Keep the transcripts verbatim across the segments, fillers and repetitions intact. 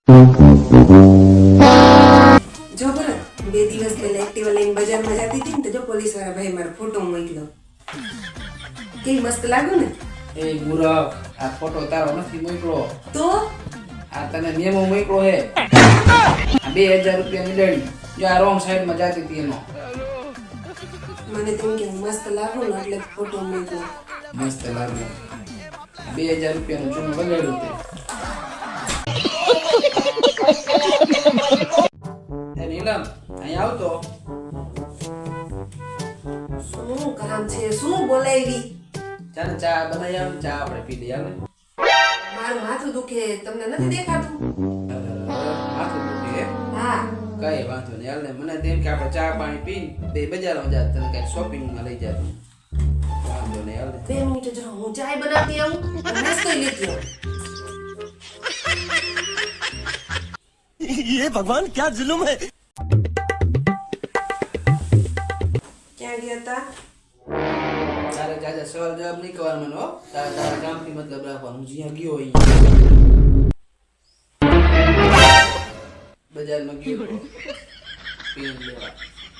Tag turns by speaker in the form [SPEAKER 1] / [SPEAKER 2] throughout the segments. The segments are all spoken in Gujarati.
[SPEAKER 1] જો બરાબર બે દિવસ પહેલા એક્ટિવા લઈને બજારમાં જતી હતી ને તો જો પોલીસ વાળા ભાઈ મારો ફોટો મોકલ્યો. કેવી મસ્ત લાગુ ને.
[SPEAKER 2] એ મૂરખ, આ ફોટો તારો નથી મોકલો.
[SPEAKER 1] તો
[SPEAKER 2] આ તને મેમો મોકલો હે. આ બે હજાર રૂપિયા ની લેણી. જો આ રોંગ સાઈડ માં જાતી હતી એનો.
[SPEAKER 1] મને તેમ કે હું મસ્ત લાગુ ને એટલે ફોટો મોકલ્યો.
[SPEAKER 2] મસ્ત લાગે. બે હજાર રૂપિયા નું ચૂનું બગાડ્યું તે. એ નીલમ, અહીં આવતો.
[SPEAKER 1] શું કામ છે? શું બોલાવી?
[SPEAKER 2] ચાલ ચા બનાવી આવ, ચા આપણે પી લઈએ હાલે.
[SPEAKER 1] મારું માથું દુખે, તમને નથી દેખાતું?
[SPEAKER 2] માથું દુખે હે?
[SPEAKER 1] હા.
[SPEAKER 2] કઈ વાંધો નહીં હાલ ને. મને તેમ કે આપણે ચા પાણી પીને બે બજારમાં જાત, તને કઈ શોપિંગ માં લઈ જાત. વાંધો નહીં હાલ ને.
[SPEAKER 1] બે મિનિટ જો હું ચાય બનાવતી આવું અને નાસ્તો લેતી આવું.
[SPEAKER 3] ये भगवान क्या जुल्म है।
[SPEAKER 1] ક્યાં ગયા હતા?
[SPEAKER 2] તારે જાજા સવાલ જવાબ નહીં કરવાનો મને, હો. તારે તારા કામથી મતલબ રાખવાનું. હું જ્યાં ગયો અહીંયા બજારમાં ગયો તો પેન લેવા.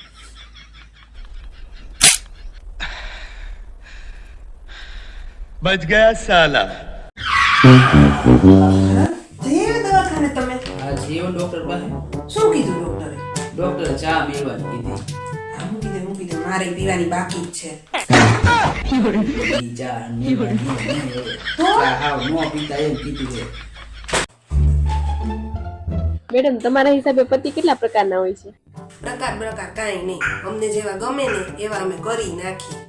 [SPEAKER 3] बच गया साला।
[SPEAKER 1] જઈ દવાખાને તમે?
[SPEAKER 2] આ જીવન ડોક્ટર પાસે
[SPEAKER 1] શું કીધું ડોક્ટરે?
[SPEAKER 2] ડોક્ટરે ચા પીવાની કીધી.
[SPEAKER 1] હા, હું કીધું હું કીધું મારે પીવાની બાકી જ છે.
[SPEAKER 2] ઈ ચા પીવાની નહીં હવે. ચા હાવ નો પીતા એમ કીધું છે.
[SPEAKER 4] મેડમ, તમારા હિસાબે પતિ કેટલા પ્રકારના હોય છે?
[SPEAKER 1] પ્રકાર પ્રકાર કાંઈ નહીં, અમને જેવા ગમે ને એવા અમે કરી નાખી.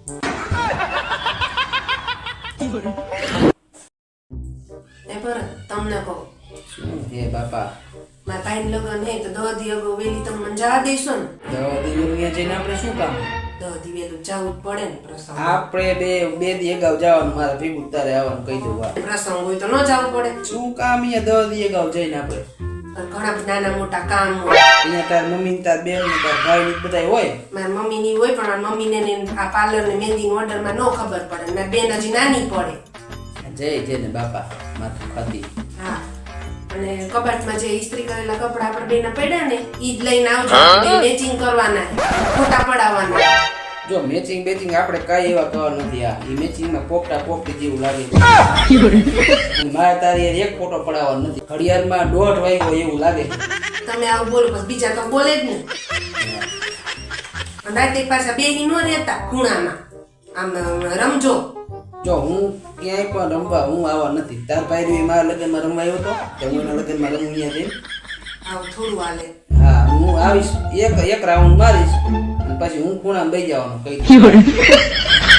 [SPEAKER 1] એ પર તમને કહું,
[SPEAKER 2] શું હે બાપા?
[SPEAKER 1] મારા ભાઈ લગ્ન હે તો દહ દી અગાઉ વેલી તમે મને જવા દેશો ને?
[SPEAKER 2] દવા દીવરિયા જઈને આપણે શું કામ?
[SPEAKER 1] દહ દી વેલું જવું જ પડે ને પ્રસંગ.
[SPEAKER 2] આપણે બે બે દી અગાઉ જવાનું, મારા ભેગું તારે આવવાનું કહી દઉં. આ
[SPEAKER 1] પ્રસંગ હોય તો ન જવું પડે.
[SPEAKER 2] શું કામ અહીંયા દસ દી અગાઉ જઈને આપણે?
[SPEAKER 1] પણ ઘણા બધા નાના મોટા કામ હોય.
[SPEAKER 2] અહીંયા તાર મમ્મી ને તાર બેન ને તાર ભાઈ ને બધા હોય.
[SPEAKER 1] મારી મમ્મી ની હોય પણ મારી મમ્મી ને આ પાર્લર ને મહેંદી ઓર્ડર માં ન ખબર પડે. મારી બેન હજી નાની પડે.
[SPEAKER 2] જય જય ને બાપા માથું ખાતી.
[SPEAKER 1] હા, અને કબાટમાં જે ઇસ્ત્રી કરેલા કપડા આપણે બેના પડ્યા ને ઈ જ લઈને આવજો. બે મેચિંગ કરવાના, ફોટા પડાવવાના.
[SPEAKER 2] જો મેચિંગ બેચિંગ આપણે કઈ એવા કરવાનું નથી. આ ઈ મેચિંગ માં પોપટા પોપટી જેવું લાગે. મારે તારી હારે એક ફોટો પડાવવાનો નથી. ઘડિયાળમાં દોઢ વાગ્યો એવું લાગે.
[SPEAKER 1] તમે આવું બોલો પછી બીજા તો બોલે જ ને. રાતે પાછા બેહી નો રહેતા ખૂણામાં, આમ રમજો.
[SPEAKER 2] જો હું ક્યાંય પણ રમવા હું આવા નથી. તાર ભાઈ મારા લગ્નમાં રમવા આવ્યો હતો તો હું એના લગ્નમાં રમું અહીંયા જઈને.
[SPEAKER 1] આવું થોડું હાલે.
[SPEAKER 2] હા, હું આવીશ, એક એક રાઉન્ડ મારીશ અને પછી હું ખૂણામાં બેસી જવાનું કઈ